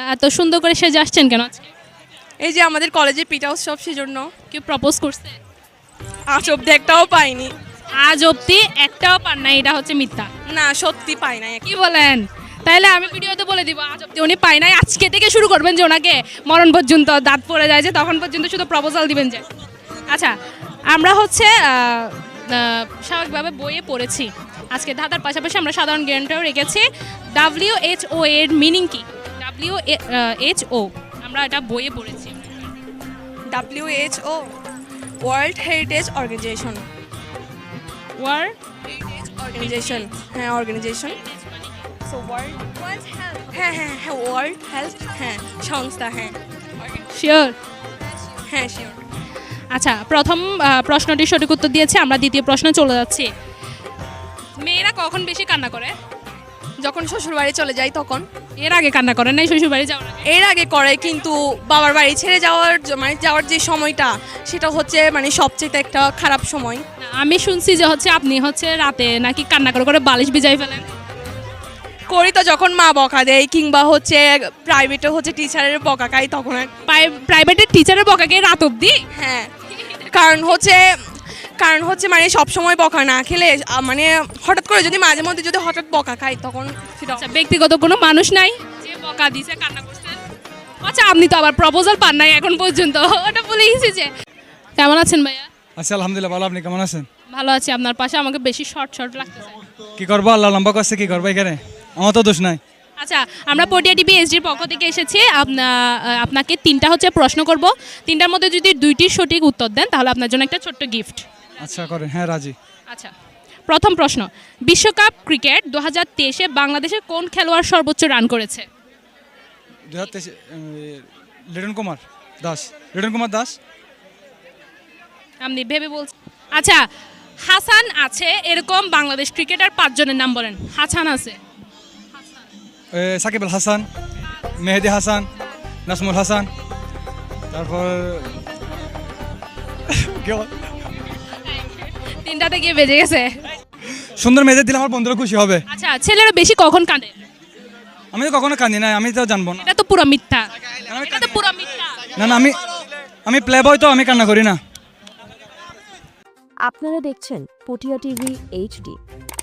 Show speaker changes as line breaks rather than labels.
এত সুন্দর করে সেজে আসছেন কেন আজকে?
এই যে আমাদের কলেজে পিঠা উৎসব সেজন্য।
কেউ প্রপোজ করছে?
আজ অব্দি একটাও পাইনি।
আজ অবধি একটাও পান নাই, এটা হচ্ছে মিথ্যা।
না, সত্যি পাই নাই।
কি বলেন? তাইলে আমি ভিডিওতে বলে দিব আজ অবধি উনি পায় নাই। আজকে থেকে শুরু করবেন যে ওনাকে মরণ পর্যন্ত দাঁত পড়ে যায় যে তখন পর্যন্ত শুধু প্রপোজাল দিবেন যে। আচ্ছা, আমরা হচ্ছে স্বাভাবিকভাবে বইয়ে পড়েছি। আজকে ধাঁধার পাশাপাশি আমরা সাধারণ জ্ঞানটাও রেখেছি। WHO এর মিনিং কি? WHO আমরা এটা বইয়ে পড়েছি।
WHO world heritage organisation.
World
organisation, হ্যাঁ অর্গানাইজেশন। সো ওয়ার্ল্ড হ্যাঁ হ্যাঁ হ্যাঁ ওয়ার্ল্ড হেলথ, হ্যাঁ সংস্থা, হ্যাঁ
শিওর?
হ্যাঁ শিওর।
আচ্ছা, প্রথম প্রশ্নটির সঠিক উত্তর দিয়েছে। আমরা দ্বিতীয় প্রশ্নে চলে যাচ্ছি। মেয়েরা কখন বেশি কান্না করে?
যখন শ্বশুর বাড়ি চলে যাই তখন।
এর আগে কান্না করে নাই শ্বশুর বাড়ি যাওয়ার আগে?
এর আগে করে, কিন্তু বাবার বাড়ি ছেড়ে যাওয়ার মানে যাওয়ার যে সময়টা সেটা হচ্ছে মানে সবচেয়ে একটা খারাপ সময়।
না, আমি শুনছি যে হচ্ছে আপনি হচ্ছে রাতে নাকি কান্না করে করে বালিশ ভিজাই ফেলেন।
করি তো যখন মা বকা দেয়, কিংবা হচ্ছে প্রাইভেটে হচ্ছে টিচারের বকা খাই তখন
প্রাইভেটের টিচারের বকাকে রাত অবধি?
হ্যাঁ, কারণ হচ্ছে মানে সব সময় বকা না খেলে মানে হঠাৎ করে যদি মাঝে মধ্যে যদি হঠাৎ বকা খাই তখন সেটা।
আচ্ছা, ব্যক্তিগত কোনো মানুষ নাই যে বকা দিছে কান্না করছেন? আচ্ছা, আপনি তো আবার প্রপোজাল পান নাই এখন পর্যন্ত, ওটা বলে গেছি যে। কেমন আছেন ভাইয়া?
আচ্ছা আলহামদুলিল্লাহ ভালো, আপনি কেমন আছেন?
ভালো আছি। আপনার পাশে আমাকে বেশি শর্ট শর্ট লাগতেছে।
কি করবো, আল্লাহ লম্বা করছে, কি করবো এখানে, আমার তো দোষ নাই।
আচ্ছা, আমরা পটিয়া টিভি এইচডির পক্ষ থেকে এসেছি। আপনাকে তিনটা হচ্ছে প্রশ্ন করব। তিনটার মধ্যে যদি দুইটির সঠিক উত্তর দেন তাহলে আপনার জন্য একটা ছোট্ট গিফট।
আচ্ছা করেন, হ্যাঁ রাজি।
আচ্ছা, প্রথম প্রশ্ন, বিশ্বকাপ ক্রিকেট 2023-এ বাংলাদেশের কোন খেলোয়াড় সর্বোচ্চ রান করেছে?
2023 লিটন কুমার দাস। লিটন কুমার দাস।
আপনি ভেবে বলছেন? আচ্ছা, হাসান আছে এরকম বাংলাদেশ ক্রিকেটার 5 জনের নাম বলেন। হাসান আছে?
সাকিব আল হাসান, মেহেদি হাসান, নাসমুল হাসান, তারপর
তিনটাতে গিয়ে বেজে গেছে।
সুন্দর মেয়েদের দিলে আমার বন্ধুরা খুশি হবে।
আচ্ছা, ছেলেরা বেশি কখন কাঁদে?
আমি তো কখনো কাঁদি না, আমি তো জানবো না।
এটা তো পুরো মিথ্যা। এটা তো পুরো মিথ্যা।
না না, আমি প্লে বয়, তো আমি কান্না করি না।
আপনারা দেখছেন পটিয়া টিভি এইচডি।